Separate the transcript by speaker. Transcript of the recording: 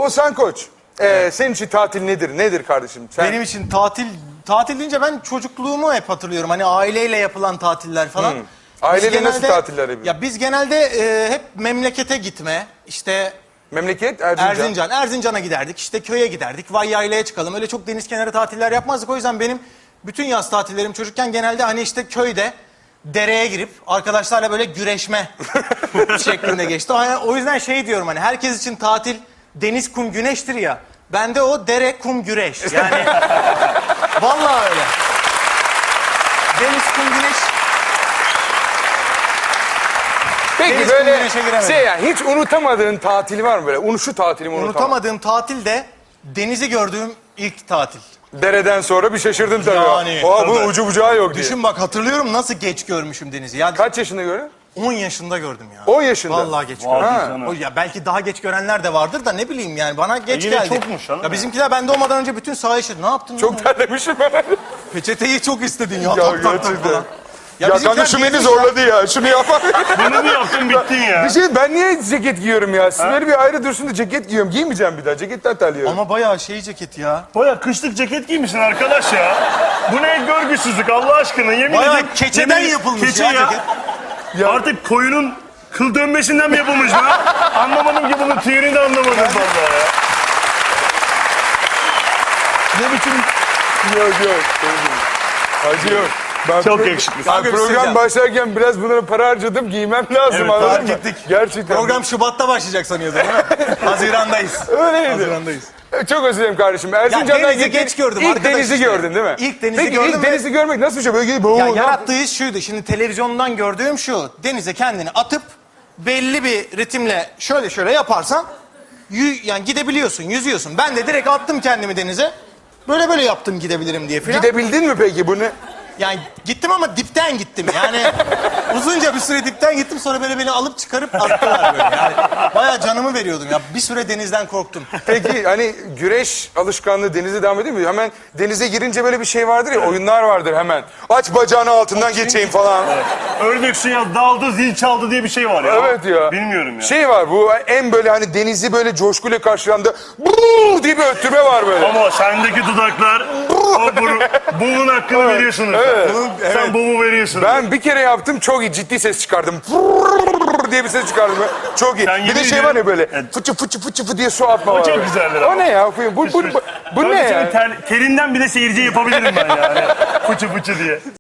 Speaker 1: Oğuzhan Koç, senin için tatil nedir? Nedir kardeşim? Sen...
Speaker 2: Benim için tatil deyince ben çocukluğumu hep hatırlıyorum. Hani aileyle yapılan tatiller falan.
Speaker 1: Aileyle nasıl tatiller yapıyorsun?
Speaker 2: Ya biz genelde hep memlekete gitme, işte
Speaker 1: Memleket Erzincan.
Speaker 2: Erzincan'a giderdik, işte köye giderdik, vay yaylaya çıkalım. Öyle çok deniz kenarı tatiller yapmazdık. O yüzden benim bütün yaz tatillerim çocukken genelde hani işte köyde dereye girip arkadaşlarla böyle güreşme şeklinde geçti. O yüzden şey diyorum, hani herkes için tatil deniz, kum, güneştir ya. Bende o dere, kum, güreş. Yani vallahi öyle. Deniz, kum, güneş.
Speaker 1: Peki
Speaker 2: Deniz,
Speaker 1: böyle
Speaker 2: kum, güneşe giremedim.
Speaker 1: yani hiç unutamadığın tatil var mı böyle? Şu tatilimi unutamadım.
Speaker 2: Unutamadığım tatil de denizi gördüğüm ilk tatil.
Speaker 1: Dereden sonra bir şaşırdın tabii.
Speaker 2: Yani,
Speaker 1: Oha bunun ucu bucağı yok diye.
Speaker 2: Düşün bak, hatırlıyorum nasıl geç görmüşüm denizi. Ya
Speaker 1: Kaç yaşında gördün?
Speaker 2: 10 yaşında gördüm ya.
Speaker 1: 10 yaşında.
Speaker 2: Vallahi geç
Speaker 3: Vay
Speaker 2: gördüm.
Speaker 3: canım.
Speaker 2: O ya belki daha geç görenler de vardır da ne bileyim yani, bana geç
Speaker 3: yine
Speaker 2: geldi.
Speaker 3: çokmuş hanım
Speaker 2: Ya bizimkiler ben doğmadan önce bütün sahayı işledi. Ne yaptın?
Speaker 1: Çok terlemişim ben.
Speaker 2: Peçeteyi çok istedin ya.
Speaker 1: Ya
Speaker 2: tak tak tak
Speaker 1: gerçekten.
Speaker 2: falan.
Speaker 1: Ya
Speaker 2: bizimkiler
Speaker 1: kanka şu beni
Speaker 2: gezmiş
Speaker 1: zorladı ya. Şunu yapar.
Speaker 3: Bunu mu yaptın bittin ya?
Speaker 1: Bir şey, ben niye ceket giyiyorum ya? Siz böyle bir ayrı dursun da ceket giyiyorum. Giymeyeceğim bir daha. Ceketten terliyorum.
Speaker 2: Ama bayağı şey ceket ya.
Speaker 3: Baya kışlık ceket giymişsin arkadaş ya. Bu ne görgüsüzlük Allah aşkına, yemin
Speaker 2: Bayağı
Speaker 3: ederim.
Speaker 2: keçeden
Speaker 3: yemin-
Speaker 2: yapılmış
Speaker 3: keçe
Speaker 2: ya ceket.
Speaker 1: Ya-
Speaker 3: Artık koyunun kıl dönmesinden mi yapılmış bu? Anlamadım ki bunun tüyünü de anlamadım vallahi ya.
Speaker 1: Ne biçim... Yok. Hacı yok. Ben
Speaker 3: Çok yakışıklısın.
Speaker 1: Ben
Speaker 2: Kanka bir şey
Speaker 1: program
Speaker 2: söyleyeceğim.
Speaker 1: başlarken biraz bunlara para harcadım. Giymem lazım,
Speaker 3: Evet,
Speaker 1: anladın
Speaker 2: fark
Speaker 1: mı?
Speaker 2: ettik.
Speaker 1: Gerçekten.
Speaker 2: Program Şubat'ta başlayacak sanıyordum değil mi? Haziran'dayız.
Speaker 1: Öyleydi.
Speaker 2: Haziran'dayız.
Speaker 1: Çok özür dilerim kardeşim. Erzincan'dan
Speaker 2: denizi
Speaker 1: gittin,
Speaker 2: geç gördüm
Speaker 1: İlk
Speaker 2: arkadaş
Speaker 1: denizi
Speaker 2: işte.
Speaker 1: gördün değil mi?
Speaker 2: İlk denizi
Speaker 1: Peki,
Speaker 2: gördüm
Speaker 1: ilk
Speaker 2: ve-
Speaker 1: denizi görmek nasıl bir şey? Böyle gidip...
Speaker 2: Ya yarattığı his şuydu. Şimdi televizyondan gördüğüm şu. Denize kendini atıp belli bir ritimle şöyle yaparsan yani gidebiliyorsun, yüzüyorsun. Ben de direkt attım kendimi denize. Böyle yaptım gidebilirim diye filan.
Speaker 1: Gidebildin mi peki bunu?
Speaker 2: Yani gittim ama dipten gittim. Yani uzunca bir süre dipten gittim, sonra böyle beni alıp çıkarıp attılar böyle. Yani bayağı canımı veriyordum ya. Bir süre denizden korktum.
Speaker 1: Peki hani güreş alışkanlığı denize devam ediyor mu? Hemen denize girince böyle bir şey vardır ya, oyunlar vardır hemen. Aç bacağını altından geçeyim falan.
Speaker 3: Ördek ya daldı zil çaldı diye bir şey var ya.
Speaker 1: Evet ya.
Speaker 3: Bilmiyorum ya.
Speaker 1: Şey var, bu en böyle hani denizi böyle coşkuyla karşılandı. Brrr diye bir öttürme var böyle.
Speaker 3: Ama sendeki dudaklar o bunun hakkını veriyorsunuz.
Speaker 1: Evet.
Speaker 3: Sen bumu veriyorsun.
Speaker 1: Ben bir kere yaptım, çok iyi, ciddi ses çıkardım. Brrr diye bir ses çıkardım. Çok iyi.
Speaker 3: Sen
Speaker 1: Bir de
Speaker 3: yemin
Speaker 1: şey var ya
Speaker 3: ediyorum-
Speaker 1: böyle
Speaker 3: Evet.
Speaker 1: fıçı fıçı diye su atma var.
Speaker 3: çok
Speaker 1: böyle.
Speaker 3: güzeldir
Speaker 1: O
Speaker 3: ama.
Speaker 1: ne ya? Bu ne
Speaker 3: Kanka
Speaker 1: ya?
Speaker 3: senin terinden bile seyirci yapabilirim ben yani. Fıçı fıçı diye.